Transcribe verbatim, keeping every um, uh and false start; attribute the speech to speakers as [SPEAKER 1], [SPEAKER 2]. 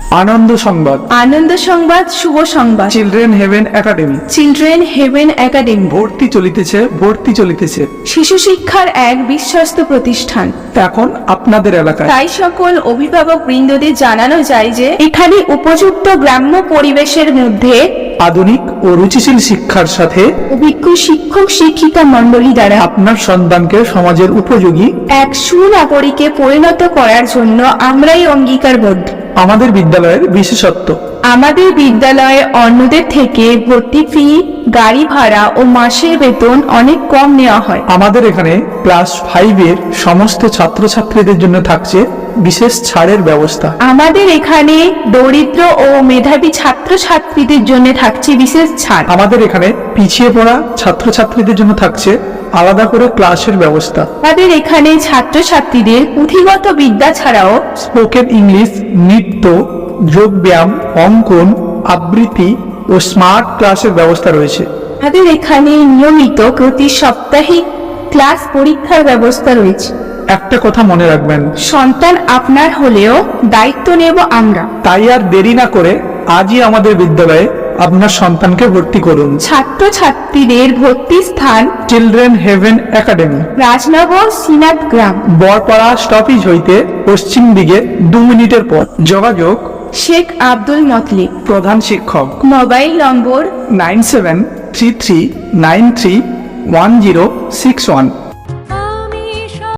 [SPEAKER 1] আনন্দ সংবাদ,
[SPEAKER 2] আনন্দ সংবাদ, শুভ সংবাদ।
[SPEAKER 1] Children heaven academy.
[SPEAKER 2] Children heaven academy
[SPEAKER 1] ভর্তি চলিতেছে, ভর্তি চলিতেছে।
[SPEAKER 2] শিশু শিক্ষার এক বিশ্বস্ত প্রতিষ্ঠান।
[SPEAKER 1] এখন আপনাদের এলাকায়।
[SPEAKER 2] তাই সকল অভিভাবক বৃন্দদের জানানো যায় যে এখানে উপযুক্ত গ্রাম্য পরিবেশের মধ্যে
[SPEAKER 1] আধুনিক ও রুচিশীল শিক্ষার সাথে
[SPEAKER 2] অভিজ্ঞ শিক্ষক শিক্ষিকা মণ্ডলী দ্বারা
[SPEAKER 1] আপনার সন্তানকে সমাজের উপযোগী
[SPEAKER 2] এক সুনাগরিকে পরিণত করার জন্য আমরাই অঙ্গীকারবদ্ধ।
[SPEAKER 1] আমাদের বিদ্যালয়ের বিশেষত্ব,
[SPEAKER 2] আমাদের বিদ্যালয়ে অন্যদের থেকে ভর্তি ফি, গাড়ি ভাড়া ও মাসের বেতন অনেক কম নেওয়া হয়।
[SPEAKER 1] আমাদের এখানে ক্লাস ফাইভের সমস্ত ছাত্রছাত্রীদের জন্য থাকছে বিশেষ ছাড়ের ব্যবস্থা।
[SPEAKER 2] আমাদের এখানে দরিদ্র ও মেধাবী ছাত্রছাত্রীদের জন্য থাকছে বিশেষ ছাড়।
[SPEAKER 1] আমাদের এখানে পিছিয়ে পড়া ছাত্রছাত্রীদের জন্য থাকছে আলাদা করে ক্লাসের ব্যবস্থা।
[SPEAKER 2] আমাদের এখানে ছাত্রছাত্রীদের পুঁথিগত বিদ্যা ছাড়াও
[SPEAKER 1] স্পোকেন ইংলিশ, নৃত্য, যোগ ব্যায়াম, অঙ্কন, আবৃত্তি ও স্মার্ট ক্লাসের ব্যবস্থা রয়েছে।
[SPEAKER 2] আমাদের এখানে নিয়মিত প্রতি সাপ্তাহিক ক্লাস পরীক্ষার ব্যবস্থা রয়েছে।
[SPEAKER 1] একটা কথা মনে রাখবেন,
[SPEAKER 2] সন্তান আপনার হলেও দায়িত্ব নেব আমরা।
[SPEAKER 1] তাই আর দেরি না করে আজই আমাদের বিদ্যালয়ে আপনার সন্তানকে ভর্তি করুন।
[SPEAKER 2] ছাত্রছাত্রীদের ভর্তি স্থান
[SPEAKER 1] চিলড্রেন হেভেন একাডেমি,
[SPEAKER 2] রাজনগর সিনাত গ্রাম,
[SPEAKER 1] বরপাড়া স্টপেজ হইতে পশ্চিম দিকে দু মিনিটের পর। যোগাযোগ
[SPEAKER 2] শেখ আব্দুল মতলিব।
[SPEAKER 1] প্রধান শিক্ষক
[SPEAKER 2] mobile number
[SPEAKER 1] nine seven three three nine three one zero six one.